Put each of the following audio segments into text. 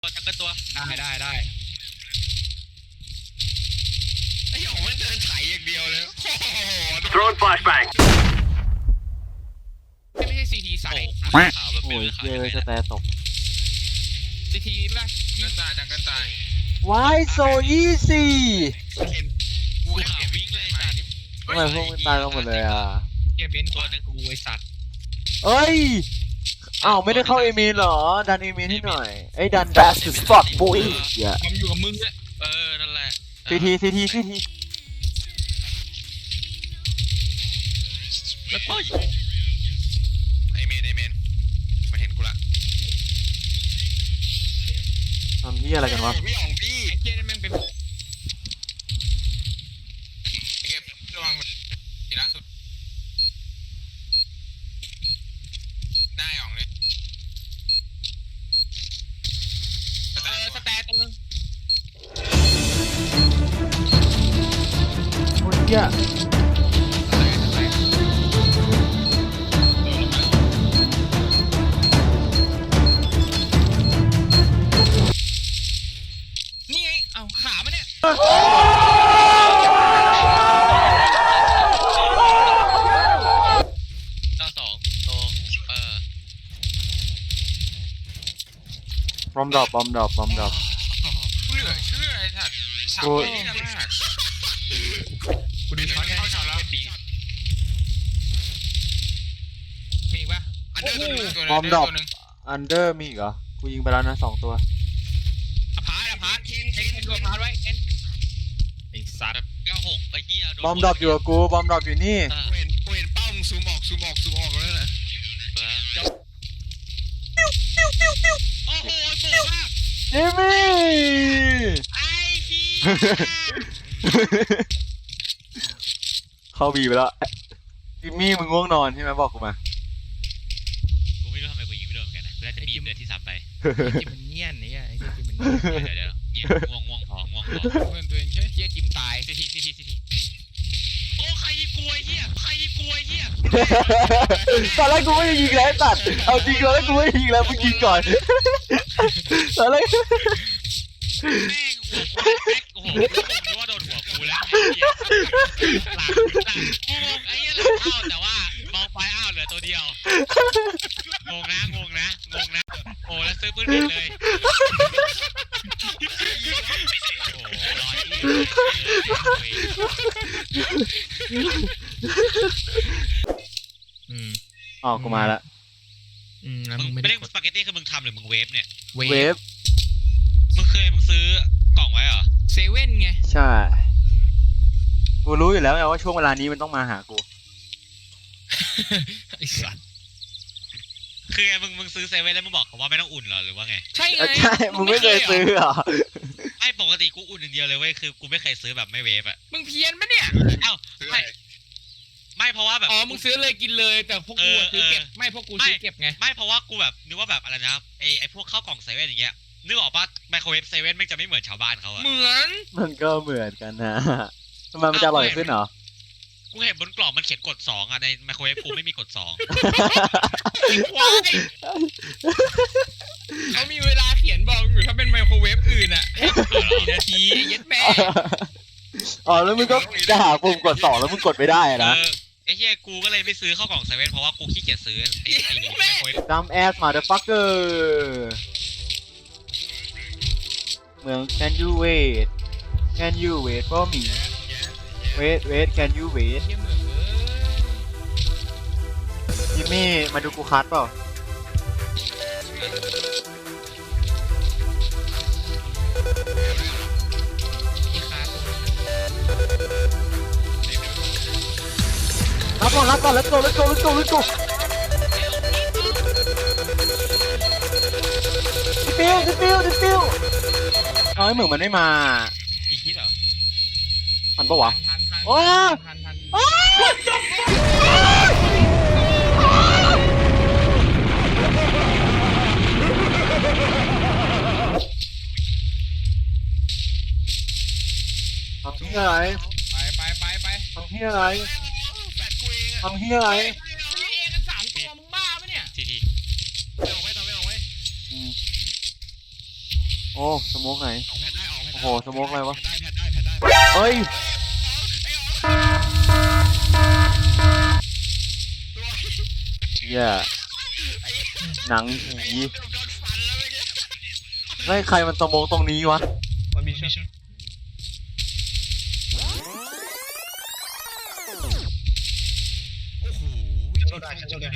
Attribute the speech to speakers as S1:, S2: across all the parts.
S1: จังกันตัว
S2: ได้
S1: ไอ้หยองมันเดินไถอย่างเดียวเลยโอ้โห
S3: Throwing flashbang.
S2: ไม่ใช่ซีทีใส่
S1: ขาวแบบ
S4: โอ้
S1: เป็น
S4: ย
S1: ขาว
S4: เยอะจะแต่ตก
S2: ซีทีป่ะ
S1: กันตายจังกันตาย
S4: Why so easy
S1: กูขาววิ่งเลยสัตว์
S4: ทำไมพวกมันตายกันหมดเลยอ่ะ
S2: เกียร์เบนซ์ตัวนึงกูไอสัตว์
S4: เอ้ยอ้าวไม่ได้เข้าเอเมนเหรอดันเอเมนให้หน่อยไอ้ดัน fast as fuck boy อย่า
S2: ความอยู่กับมึงเนี่ย
S1: นั่นแหละ
S4: ซีที
S1: แล้วก็ไอเมนมาเห็นกูละ
S4: ทำที่อะไรกันวะ
S1: พี่หยองพี่
S2: ไอ้เกียร์นี่แม่งเป็น
S1: เก็บระวังทีล่าสุดหน้าหยองเลย
S2: สแตทตัวนึง
S4: โอ้ยเหี้ย
S2: นี่ไงเอาขามันเนี่ย
S1: 92โต
S4: บอมดรอป
S1: กูเหลือเชื่อไอ้สัตว์ฉากนี้นะมาก
S2: กูดูช็อตไง
S1: เข้าช็อตแล้ว
S2: มีอีกป่ะ
S1: อันเดอร์ตัวนึง
S4: บอมดรอปอันเดอร์มีอีกเหรอกูยิงไปแล้วนะ2 ตัว
S2: พาร์ทเคนตัวพาร์ทไว้เคนไอสัตว์
S1: 96ไอ้เหี้ย
S4: บอมดรอปอยู่กับกูบอมดรอปอยู่นี่
S1: กูเห็นเป้ามึงซูมออกแล้วนะโอ้โหโบกมาก
S4: เอมี่
S1: ไอ้เหี้ย
S4: เข้าบีไปแล้วจิมมี่มึงง่วงนอนใช่ไหมบอกกูมา
S1: กูไม่รู้ทำไมกูยิงไม่โดนเหมือนกันนะกูน่าจะบีบเลยที่ซ้ำไป
S2: จิมมันเนียนเนี่ยไอ้จิมมัน
S1: เดี๋ยวง่วงพอ
S2: เพื่อนตัวเองใช่เกียร์จิมตาย
S1: ทีโอ้ใครยิงกูไอ้เหี้ย
S4: ตอนแรกกูไม่ได้ยิงแล้วตัดเอาจริงตอนแรกกูไม่ได้ยิงแล้วมึงยิงก่อนตอนแรก
S1: แม่งหัวกูแม็กโอ้โหกูนึกว่าโดนหัวกูแล้วหลังกูงงไอ้เหี้ยหลังเข้าแต่ว่ามองไปอ้าวเหลือตัวเดียวงงนะโอ้แล้วซื้อปืนผิดเลยโอ้รอที่
S4: อ๋อกูมาละ
S2: แล้ว
S1: มึ
S2: มึ
S1: ง
S2: ง
S1: ไม่
S2: ไม่
S1: ได้
S2: ได้
S1: สปาเกตตี้คือมึงทำหรือมึงเวฟเนี่ย
S4: เวฟ
S1: มึงซื้อกล่องไว้เหรอ
S2: เซเว่นไง
S4: ใช่กูรู้อยู่แล้วไงว่าช่วงเวลานี้มันต้องมาหากู
S2: ไอสัตว์
S1: คือไงมึงซื้อเซเว่นแล้วมึงบอกเขาว่าไม่ต้องอุ่นเหรอหรือว่าไง
S2: ใช่ไง
S4: ใช่มึงไม่เคยซื้อเหรอ
S1: ไม่ปกติกูอุ่นอย่างเดียวเลยเว้ยคือกูไม่เคยซื้อแบบไม่เวฟอ่ะ
S2: มึงเพี้ยนปะเนี่ย
S1: เอ้าไม่เพราะว่าแบบ
S2: อ๋อมึงซื้อเลยกินเลยแต่พวกกูซื้อเก็บไม่พวกกูซื้อเก็บไง
S1: ไม่เพราะว่ากูแบบนึกว่าแบบอะไรนะไอพวกข้าวกล่องเซเว่นอย่างเงี้ยนึกออกปะไมโครเวฟเซเว่นมันจะไม่เหมือนชาวบ้านเขาอะ
S2: เหมือน
S4: มันก็เหมือนกันนะทำไมมันจะอร่อยขึ้นเหรอ
S1: กูเห็นบนกล่องมันเขียนกด2อะในไมโครเวฟกูไม่มีกด2
S2: ควายเขามีเวลาเขียนบอกอยู่ถ้าเป็นไมโครเวฟอื่นอ่ะกี่นาทีเย็ดแม่
S4: อ๋อแล้วมึงก็จะหาปุ่มกด2แล้วมึงกดไม่ได้นะ
S1: ไอ้เหี้ยกูก็เลยไม่ซื้อข้าวกล่องเซเว่นเพราะว่ากูขี้เกียจซื้อไอ้ไมโครเวฟ
S4: Dumb ass motherfucker เมือง Can you wait for me wait can you wait
S2: เยี่ยมเหมือนเลย
S4: จิมมี่มาดูกูคัดเปล่า
S2: อีคาตัว
S4: รับก่อน let's goดิฟิวเอาให้เหมือนมันไม่มา
S1: อีคิดเหรอ
S4: ทันปะวะ
S2: ทัน
S4: โอ้
S2: ทัน
S4: ทำที่อะไร
S2: ไป
S4: ทำที่อะไร
S1: แฟดกูเองอะ
S4: ทำที่อะไร
S2: มีเอกัน3 ตัวมึงบ้าปะเนี่ย
S1: ทีไม่ออกไว้
S4: โอ้สโมกไหน
S2: ออกแพทได้ออกแพทได้
S4: โอ้โหสโมกอะไรวะ
S2: แพทได้แพทได้
S4: เอ้ย เหี้ยหนังผี
S2: โดนฟันแล้วเมื่อกี้
S4: เฮ้ยใครมันสโมกตรงนี้วะ
S2: มันมีช็อตโอ้โหโชว์ได้โชว์ได้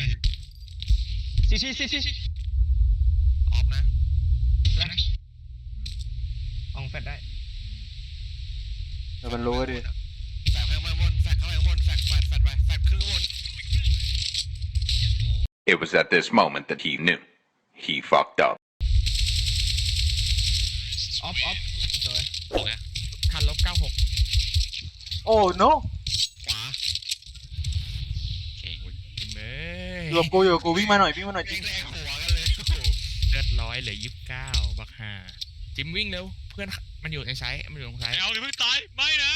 S2: ซีออฟนะแล้วอองแฟดได้
S4: แต่มันรู้ดิ
S2: แฟดข้างบนแฟดเข้าไปข้างบนแฟดไปแฟดครึ่งข้างบน
S3: It was at this moment that he knew. He fucked up.
S2: ออฟสวย
S1: โอเค
S2: คันลบ96
S4: โอ้ no
S2: ขวา
S1: โอเค
S2: เม
S4: อยู่กับกูวิ่งมาหน่อยจริง
S2: แรงหัวกันเลย
S5: เลือด100เหลือ29บักห่าจิมวิ่งเร็วเพื่อนมันอยู่ในไซส์มันอยู่ตรงไซส์
S1: เอาดิเพิ่งตายไม่นะ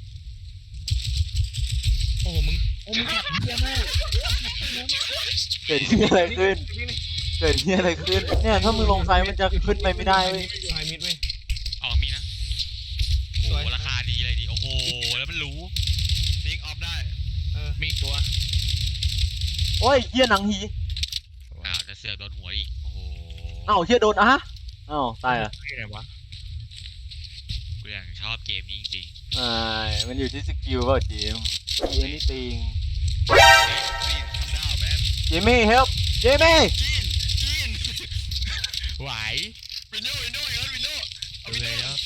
S5: โอ้โหมึงขับเยี่ยมมาก
S4: เกิดที่อะไรขึ้น เกิดที่อะไรขึ้น เนี่ยถ้ามึงลงไซด์มันจะขึ้นไปไม่ได้เว้ย
S2: ไฮมิดเว้ย
S1: ออกมีนะโอ้โหราคาดีเลยดิโอ้โหแล้วมันรู้
S2: นิกออฟได้
S5: มีอีกตัว
S4: โอ้ยเหี้ยหนังหี
S1: อ้าวจะเสือกโดนหัวอีกโอ้โห
S4: อ้าวเหี้ยโดนอะฮะอ้าวตายอ่ะ
S5: ที่ไหนวะ
S1: กูยังชอบเกมนี้จริง
S4: มันอยู่ที่สกิลเปล่าจิม anything
S2: จีนทำดาวแมน
S4: Jimmy help Jimmy
S2: จีน
S5: ไหว
S2: วินโดว์เอาวินโด
S5: เลย
S2: ว์
S5: แล้ว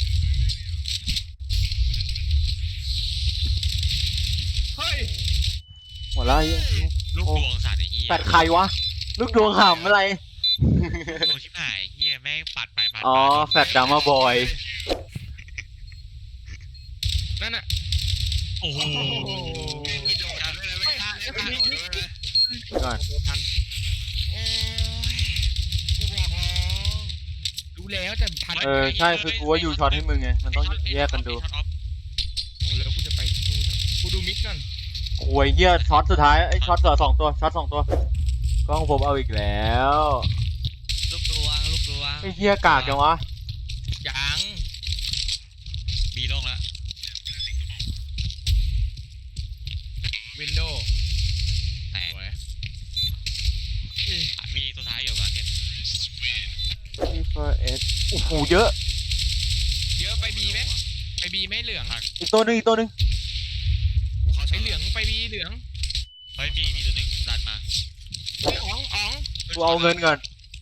S2: เฮ้ย
S4: หมดแล้วเหี้ย
S1: ๆลูกดวงสัตว์ไอ้เหี้ย
S4: แปดใครวะ ลูกดวงหำอะไร
S1: ลูกดวงชิบหายเหี้ยแม่งปัดไปปัด
S4: อ๋อ
S1: มา
S4: แฟดดามาบอย
S5: นั่นน่ะ
S1: โอ้โห
S2: มีโดดด้วยนะไม่กล้าไม่โดดด้วยนะ
S4: ก่อน
S5: ทัน
S2: โอ้ยกูบอกแล้ว
S5: รู้แล้วแต่ทัน
S4: ใช่คือกูว่าอยู่ช็อตให้มึงไง มันต้องแยกกันดู
S1: ช็อตออฟ
S5: โอ้แล้วกูจะไปสู้กูดูมิดก่อน
S4: โอ้ยเหี้ยช็อตสุดท้ายไอ้ช็อตเหลือ2 ตัว ช็อต 2 ตัว กล้องผมเอาอีกแล้ว
S1: ลูกดวง
S4: ไอ้เหี้ยกากจังวะ
S5: ยัง
S1: มีลงแล้ว
S5: วินโดว์
S1: แตก
S5: สวย
S1: มีตัวท้ายอยู่กับเอ็ด
S4: T4S โอ้โหเยอะ
S5: เยอะไปบีไหมไปบีไหมเหลือง
S4: อีกตัวหนึง
S2: กูเข้า
S5: ไป
S2: ช็อต
S5: เหลืองไปบีเหลือง
S1: เฮ้ยมีตัวหนึงดันมา
S5: อ๋อง
S4: กูเอาเงินก่อน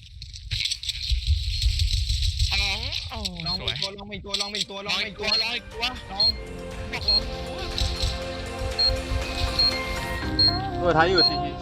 S5: อ๋องโอ้
S2: ลอง
S5: ส
S2: ไป
S5: วย
S2: ตัวลองไปตัวลองไปตัวล
S5: ล
S2: อง
S5: อย
S2: ไป
S5: ตั
S2: ตัว ว
S5: ลอยตัว
S2: ลองบอกลอง
S4: ตัวท้ายอยู่ CT